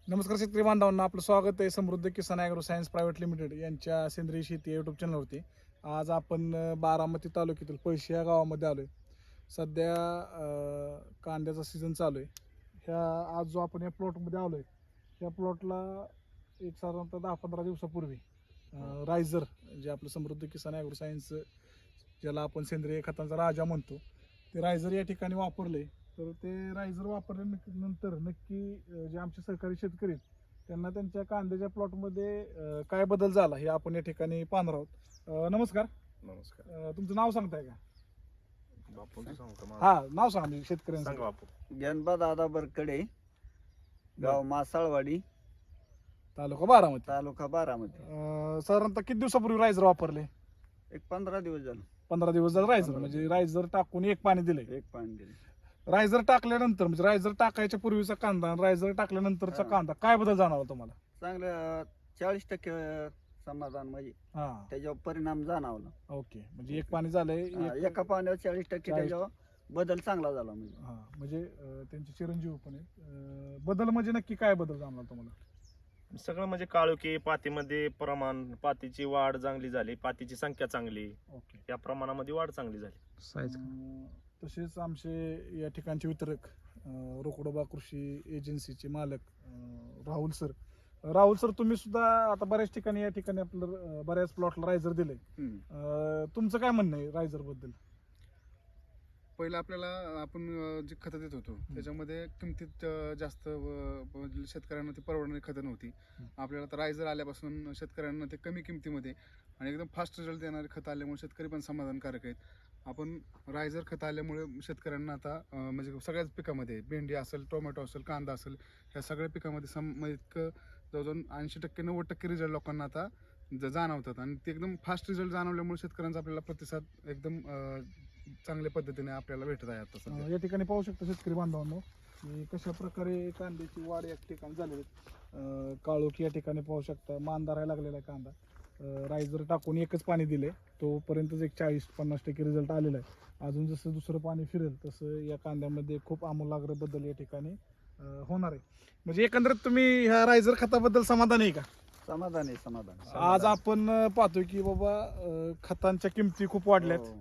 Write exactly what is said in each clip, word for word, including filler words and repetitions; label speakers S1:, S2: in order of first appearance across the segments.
S1: नमस्कार शेतकरी बांधवांना, आपलं स्वागत आहे Samruddh Kisan agro science private limited यांच्या सेंद्रिय शेती या यूट्यूब चॅनलवरती. आज आपण अ, बारामती तालुक्यातील पैसे या गावामध्ये आलो आहे. सध्या अ, कांद्याचा सीझन चालू आहे. ह्या आज जो आपण या प्लॉटमध्ये आलो आहे, ह्या प्लॉटला एक साधारणतः दहा पंधरा दिवसापूर्वी अ, रायझर जे आपलं समृद्ध किसान ॲग्रो सायन्स ज्याला आपण सेंद्रिय खतांचा राजा म्हणतो, ते रायझर या ठिकाणी वापरले. तर ते रायझर वापरल्यानंतर नक्की अ, जे आमचे सहकारी शेतकरी आहेत, त्यांना त्यांच्या कांद्याच्या प्लॉटमध्ये अ, काय बदल झाला हे आपण या ठिकाणी पाहणार आहोत. अ, नमस्कार.
S2: नमस्कार.
S1: अ, तुमचं नाव सांगताय का?
S2: बापूंचं सांगू का माझं?
S1: हा, नाव सांगा म्हणजे
S2: सांगा
S1: शेतकऱ्यांचं.
S2: बापू.
S3: ज्ञानबा दादा बरकडे, गाव मासाळवाडी,
S1: तालुका बारामती.
S3: तालुका बारामती.
S1: अ, साधारणतः किती दिवसापूर्वी रायझर वापरले?
S3: एक पंधरा दिवस झालं
S1: पंधरा दिवस झालं रायझर,
S3: पंधरा
S1: म्हणजे रायझर टाकून एक पाणी दिले.
S3: एक पाणी दिले.
S1: रायझर टाकल्यानंतर म्हणजे रायझर टाकायच्या पूर्वीचा कांदा आणि रायझर टाकल्यानंतरचा
S3: हा.
S1: कांदा काय बदल जाणवला तुम्हाला?
S3: चांगलं चाळीस टक्के समाधान म्हणजे
S1: हा,
S3: त्याच्यावर परिणाम जाणवला.
S1: ओके. म्हणजे एक पाणी झालंय,
S3: हा,
S1: एक-
S3: एका पाण्यावर चाळीस टक्के
S1: चाळीस.
S3: त्याच्यावर बदल चांगला झाला म्हणजे.
S1: हा, म्हणजे अ, त्यांचे चिरंजीव पण आहेत. अ, बदल म्हणजे नक्की काय बदल जाणवला तुम्हाला?
S2: सगळं म्हणजे काळोखी पातीमध्ये प्रमाण, पातीची वाढ चांगली झाली, पातीची संख्या चांगली,
S1: ओके.
S2: या प्रमाणामध्ये वाढ चांगली झाली.
S1: अं, तसेच आमचे या ठिकाणचे वितरक अं, रोकडोबा कृषी एजन्सीचे मालक अं, राहुल सर. राहुल सर, तुम्ही सुद्धा आता बऱ्याच ठिकाणी या ठिकाणी आपलं अं, बऱ्याच प्लॉटला रायझर दिले.
S3: हम्म.
S1: तुमचं काय म्हणणं आहे रायझर बद्दल?
S4: पहिलं आपल्याला आपण अं, जी खतं देत होतो त्याच्यामध्ये किमतीत अं, जास्त अं, म्हणजे शेतकऱ्यांना ती परवडणारी खतं नव्हती. आपल्याला तर रायझर आल्यापासून शेतकऱ्यांना ते कमी किमतीमध्ये आणि एकदम फास्ट रिझल्ट देणारे खतं आल्यामुळे शेतकरी पण समाधानकारक आहेत. आपण रायझर खतं आल्यामुळे शेतकऱ्यांना आता अं, म्हणजे सगळ्याच पिकामध्ये भेंडी असेल, टोमॅटो असेल, कांदा असेल, ह्या सगळ्या पिकामध्ये सम म्हणजे इतकं जवळजवळ ऐंशी टक्के नव्वद टक्के रिझल्ट लोकांना आता ज- जाणवतात आणि ते एकदम फास्ट रिझल्ट जाणवल्यामुळे शेतकऱ्यांचा आपल्याला प्रतिसाद एकदम अं, चांगल्या पद्धतीने आपल्याला भेटत आहे आता सध्या.
S1: अं, या ठिकाणी पाहू शकता शेतकरी बांधवांनो की कशा प्रकारे कांद्याची वाढ या ठिकाणी झालेली आहे. काळोखी या ठिकाणी पाहू शकता, मान धरायला लागलेला आहे कांदा. अं, रायझर टाकून एकच पाणी दिले, तोपर्यंतच एक चाळीस पन्नास टक्के रिझल्ट आलेला आहे. अजून जसं दुसरं पाणी फिरेल तसं या कांद्यामध्ये खूप आमूलाग्र बदल या ठिकाणी अं, होणार आहे. म्हणजे एकंदरीत तुम्ही ह्या रायझर खताबद्दल समाधान आहे का?
S3: समाधान आहे समाधान.
S1: आज आपण अं, पाहतोय की बाबा अं, खतांच्या किमती खूप वाढल्यात
S3: हो.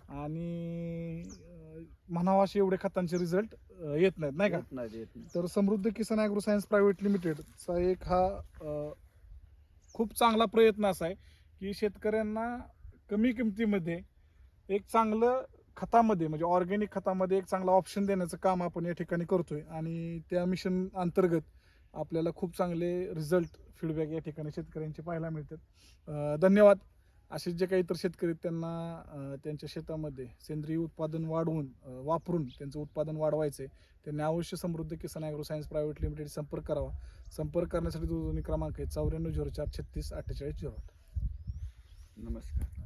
S1: आणि अं, म्हणावा असे एवढे खतांचे रिझल्ट येत नाहीत, नाही का?
S3: येत नाही, येत नाही.
S1: तर Samruddh Kisan agro science private लिमिटेडचा एक हा अं, खूप चांगला प्रयत्न असा आहे की शेतकऱ्यांना कमी किमतीमध्ये एक चांगलं खतामध्ये म्हणजे ऑर्गॅनिक खतामध्ये एक चांगला ऑप्शन देण्याचं काम आपण या ठिकाणी करतोय आणि त्या मिशन अंतर्गत आपल्याला खूप चांगले रिझल्ट फीडबॅक या ठिकाणी शेतकऱ्यांचे पाहायला मिळतात. अं, धन्यवाद. असे जे काही इतर शेतकरी आहेत, त्यांना अं, त्यांच्या शेतामध्ये सेंद्रिय उत्पादन वाढवून अं, वापरून त्यांचं उत्पादन वाढवायचं आहे, त्यांनी अवश्य Samruddh Kisan agro science private limited संपर्क करावा. संपर्क करण्यासाठी दूरध्वनी क्रमांक आहे चौऱ्याण्णव झिरो चार छत्तीस अठ्ठेचाळीस झिरो आठ.
S3: नमस्कार.